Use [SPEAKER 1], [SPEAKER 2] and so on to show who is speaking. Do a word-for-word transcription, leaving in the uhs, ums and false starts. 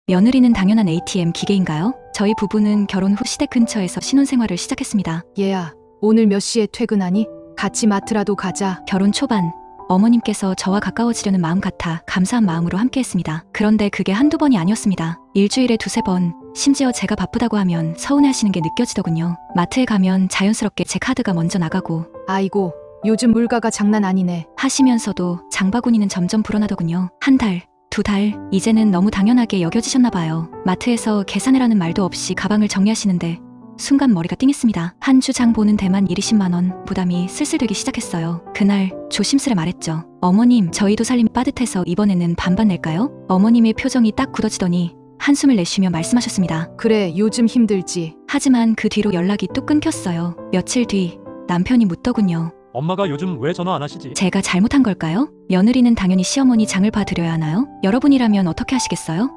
[SPEAKER 1] 며느리는 당연한 에이티엠 기계인가요? 저희 부부는 결혼 후 시댁 근처에서 신혼생활을 시작했습니다.
[SPEAKER 2] 얘야, 오늘 몇 시에 퇴근하니? 같이 마트라도 가자.
[SPEAKER 1] 결혼 초반 어머님께서 저와 가까워지려는 마음 같아 감사한 마음으로 함께했습니다. 그런데 그게 한두 번이 아니었습니다. 일주일에 두세 번, 심지어 제가 바쁘다고 하면 서운해하시는 게 느껴지더군요. 마트에 가면 자연스럽게 제 카드가 먼저 나가고
[SPEAKER 2] 아이고, 요즘 물가가 장난 아니네.
[SPEAKER 1] 하시면서도 장바구니는 점점 불어나더군요. 한 달, 두 달, 이제는 너무 당연하게 여겨지셨나 봐요. 마트에서 계산해라는 말도 없이 가방을 정리하시는데 순간 머리가 띵했습니다. 한 주 장 보는 데만 이십만 원, 부담이 슬슬 되기 시작했어요. 그날 조심스레 말했죠. 어머님, 저희도 살림이 빠듯해서 이번에는 반반 낼까요? 어머님의 표정이 딱 굳어지더니 한숨을 내쉬며 말씀하셨습니다.
[SPEAKER 2] 그래, 요즘 힘들지.
[SPEAKER 1] 하지만 그 뒤로 연락이 뚝 끊겼어요. 며칠 뒤 남편이 묻더군요.
[SPEAKER 3] 엄마가 요즘 왜 전화 안 하시지?
[SPEAKER 1] 제가 잘못한 걸까요? 며느리는 당연히 시어머니 장을 봐드려야 하나요? 여러분이라면 어떻게 하시겠어요?